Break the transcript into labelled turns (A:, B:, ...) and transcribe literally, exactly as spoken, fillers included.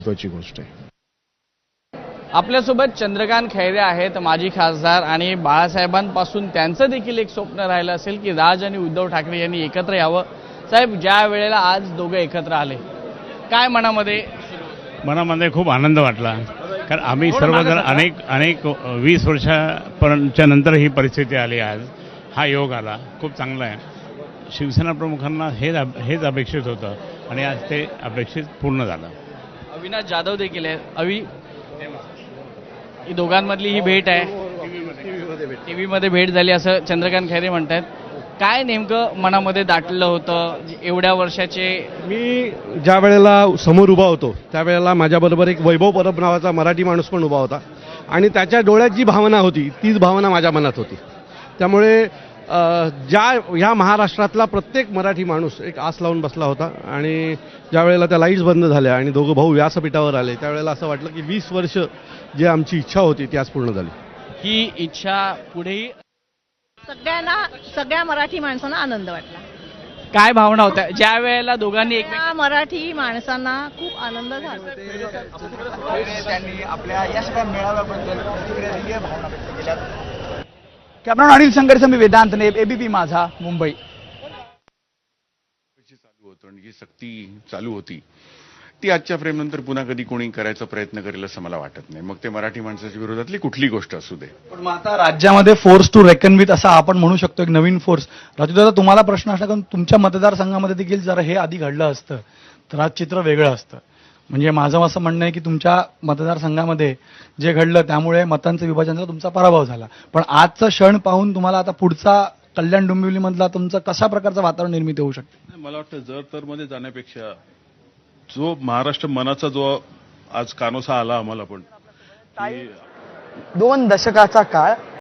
A: महत्त्वाची गोष्ट आहे।
B: आपल्यासोबत चंद्रकांत खैरे आहेत, माजी खासदार, आणि बाळासाहेबांपासून त्यांचं देखील एक स्वप्न राहिलं असेल की राज आणि उद्धव ठाकरे यांनी एकत्र यावं। साहेब, ज्या वेळेला आज दोघं एकत्र आले, काय मनामध्ये
C: मनामध्ये खूप आनंद वाटला, कारण आम्ही सर्वजण अनेक अनेक वीस वर्षापर्यंतच्या नंतर ही परिस्थिती आली। आज हा योग आला, खूप चांगला आहे। शिवसेना प्रमुखांना हेच हेच अपेक्षित होतं आणि आज ते अपेक्षित पूर्ण झालं।
B: अविनाश जाधव देखील आहे। अवि ही दोघांमधली ही भेट आहे, टीव्ही मध्ये भेट झाली असं चंद्रकांत खैरे म्हणतात। काय नेमकं मनामध्ये दाटलं होतं एवढ्या वर्षाचे?
D: मी ज्या वेळेला समोर उभा होतो त्यावेळेला माझ्याबरोबर एक वैभव परब नावाचा मराठी माणूस पण उभा होता आणि त्याच्या डोळ्यात जी भावना होती तीच भावना माझ्या मनात होती। त्यामुळे ज्या ह्या महाराष्ट्रातला प्रत्येक मराठी माणूस एक आस लावून बसला होता आणि ज्या वेळेला त्या लाईट्स बंद झाल्या आणि दोघं भाऊ व्यासपीठावर आले त्यावेळेला असं वाटलं की वीस वर्ष जी आमची इच्छा होती ती आज पूर्ण झाली।
B: ही इच्छा पुढेही
E: सगळ्यांना सगळ्या मराठी माणसांना आनंद वाटला।
B: काय भावना होत्या ज्या वेळेला दोघांनी एक
E: सगळ्या मराठी माणसांना खूप आनंद झाला।
F: त्यांनी आपल्या या सगळ्या मेळाव्याबद्दल प्रतिक्रिया दिली आहे, भावना व्यक्त केल्या। कॅमेरामॅन अनिल संघर्ष, मी वेदांत नेब, एबीपी माझा, मुंबई।
G: चालू होतं आणि जी सक्ती चालू होती ती आजच्या फ्रेमनंतर पुन्हा कधी कोणी करायचा प्रयत्न करेल असं मला वाटत नाही, मग ते मराठी माणसाच्या विरोधातली कुठली गोष्ट असू दे।
F: पण मग आता राज्यामध्ये फोर्स टू रेकन विथ असा आपण म्हणू शकतो, एक नवीन फोर्स। राजूदादा, तुम्हाला प्रश्न असला, कारण तुमच्या मतदारसंघामध्ये देखील जर हे आधी घडलं असतं तर आज चित्र वेगळं असतं। म्हणजे माझं असं म्हणणं आहे की तुमच्या मतदारसंघामध्ये जे घडलं त्यामुळे मतांचं विभाजन झालं, तुमचा पराभव झाला। पण आजचा क्षण पाहून तुम्हाला आता पुढचा कल्याण डोंबिवलीमधला तुमचं कशा प्रकारचं वातावरण निर्मिती होऊ शकते?
H: मला वाटतं जर तर मध्ये जाण्यापेक्षा जो महाराष्ट्र मनाचा जो आज कानोसा आला आम्हाला, पण
F: दोन दशकाचा काळ